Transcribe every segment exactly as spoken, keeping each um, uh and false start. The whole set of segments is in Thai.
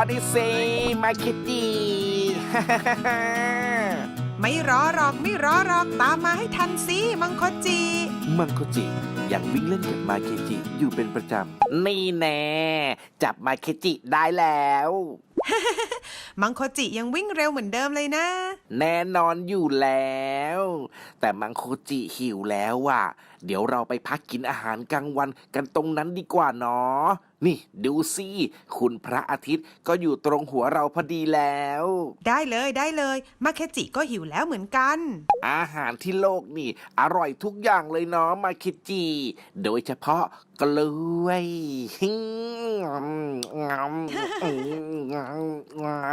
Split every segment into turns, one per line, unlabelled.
everybody say มาคิจิ
ไม่รอหรอกไม่รอหรอกตามมาให้ทันสิมังคจิ
มังโคจิยังวิ่งเล่นกับมาเคจิอยู่เป็นประจำนี่แน่จับมาเคจิได้แล้ว
มังคจิยังวิ่งเร็วเหมือนเดิมเลยนะ
แน่นอนอยู่แล้ว แต่มังโคจิหิวแล้วว่ะเดี๋ยวเราไปพักกินอาหารกลางวันกันตรงนั้นดีกว่าเนาะนี่ดูสิคุณพระอาทิตย์ก็อยู่ตรงหัวเราพอดีแล้ว
ได้เลยได้เลยมาเคจิก็หิวแล้วเหมือนกัน
อาหารที่โลกนี่อร่อยทุกอย่างเลยเนาะมาคิจิโดยเฉพาะกล้วยฮิงามงามงาม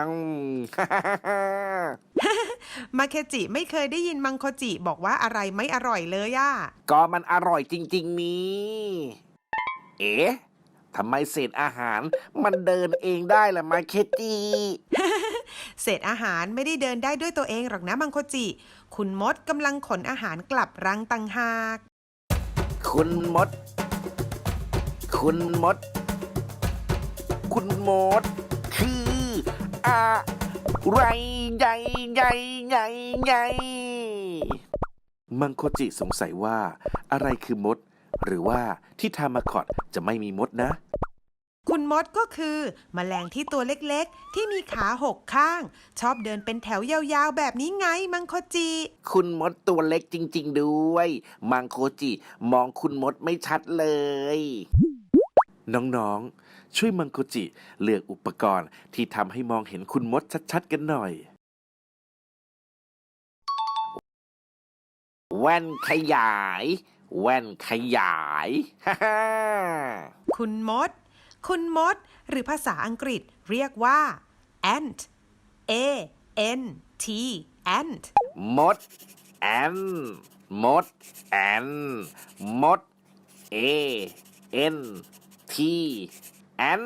มาเคจิไม่เคยได้ยินมังคจิบอกว่าอะไรไม่อร่อยเลยอะ
ก็มันอร่อยจริงๆนี่เอ๊ะทำไมเศษอาหารมันเดินเองได้ล่ะมาเคจิ
เศษอาหารไม่ได้เดินได้ด้วยตัวเองหรอกนะมังคจิคุณมดกำลังขนอาหารกลับรังต่างหาก
คุณมด คุณมด คุณมด คืออะไรใหญ่ใหญ่ใหญ่ใหญ่มังโคจิสงสัยว่าอะไรคือมด หรือว่าที่ทามาคอตจะไม่มีมดนะ
คุณมดก็คือแมลงที่ตัวเล็กๆที่มีขาหกข้างชอบเดินเป็นแถวยาวๆแบบนี้ไงมังคจิ
คุณมดตัวเล็กจริงๆด้วยมังโคจิมองคุณมดไม่ชัดเลย น้องๆช่วยมังโคจิเลือกอุปกรณ์ที่ทำให้มองเห็นคุณมดชัดๆกันหน่อยแว่นขยายแว่นขยาย ฮ่าฮ่า
คุณมด คุณมด หรือภาษาอังกฤษเรียกว่า ant a n t ant
มดแอนมดแอนมด A N T แอน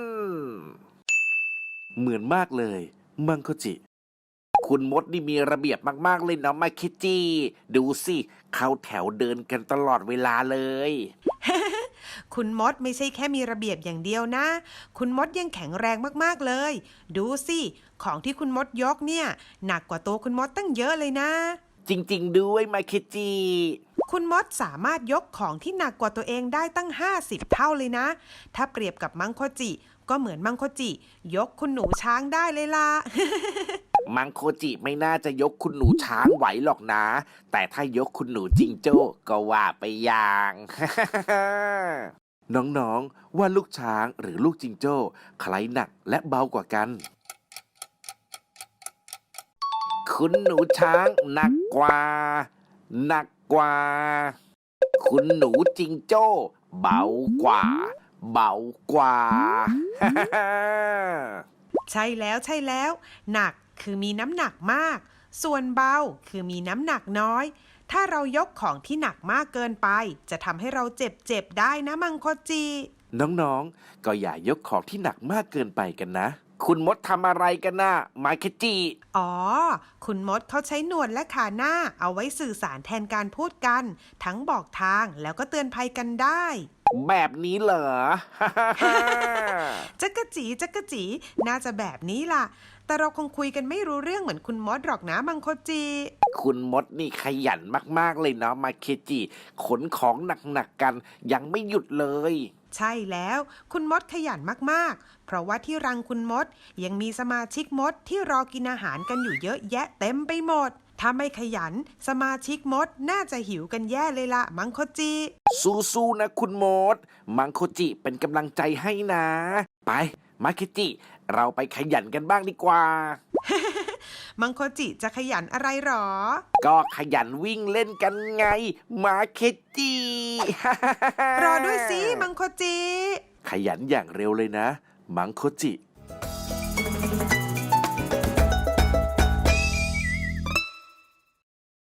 เหมือนมากเลยมังโคจิคุณมดนี่มีระเบียบมากๆเลยเนาะมาคิจิดูสิเข้าแถวเดินกันตลอดเวลาเลย
คุณมดไม่ใช่แค่มีระเบียบอย่างเดียวนะ คุณมดยังแข็งแรงมากๆเลย ดูสิ ของที่คุณมดยกเนี่ยหนักกว่าตัวคุณมดตั้งเยอะเลยนะ
จริงๆด้วยมาคิจิ
คุณมดสามารถยกของที่หนักกว่าตัวเองได้ตั้งห้าสิบเท่าเลยนะ ถ้าเปรียบกับมังคจิก็เหมือนมังคจิ ยกคุณหนูช้างได้เลยล่ะ
มังโคจิไม่น่าจะยกคุณหนูช้างไหวหรอกนะ แต่ถ้ายกคุณหนูจิงโจ้ก็ว่าไปอย่าง น้องๆว่าลูกช้างหรือลูกจิงโจ้ใครหนักและเบากว่ากัน คุณหนูช้างหนักกว่า หนักกว่า คุณหนูจิงโจ้เบากว่า เบากว่า
ใช่แล้วใช่แล้ว หนักคือมีน้ำหนักมาก ส่วนเบาคือมีน้ำหนักน้อย ถ้าเรายกของที่หนักมากเกินไป จะทำให้เราเจ็บเจ็บได้นะมังคจิ
น้องๆก็อย่ายกของที่หนักมากเกินไปกันนะ คุณมดทำอะไรกันนะมาเคจิ
อ๋อ คุณมดเขาใช้หนวดและขาหน้าเอาไว้สื่อสารแทนการพูดกัน ทั้งบอกทางแล้วก็เตือนภัยกันได้
แบบนี้เหรอ
จักกะจีจักกะจีน่าจะแบบนี้ล่ะ แต่เราคงคุยกันไม่รู้เรื่องเหมือนคุณมดหรอกนะมังคจิ
คุณมดนี่ขยันมากๆเลยเนาะมาเคจิขนของหนักๆกันยังไม่หยุดเลย
ใช่แล้ว คุณมดขยันมากๆ เพราะว่าที่รังคุณมดยังมีสมาชิกมดที่รอกินอาหารกันอยู่เยอะแยะเต็มไปหมด ถ้าไม่ขยันสมาชิกมดน่าจะหิวกันแย่เลยล่ะมังคจิ
สู้ๆนะคุณมด มังโคจิเป็นกำลังใจให้นะ ไปมาเคจิเราไปขยันกันบ้างดีกว่า
มังคจิจะขยันอะไรหรอ
ก็ขยันวิ่งเล่นกันไงมาเคจิ
รอด้วยสิมังคจิ
ขยันอย่างเร็วเลยนะ มังโคจิ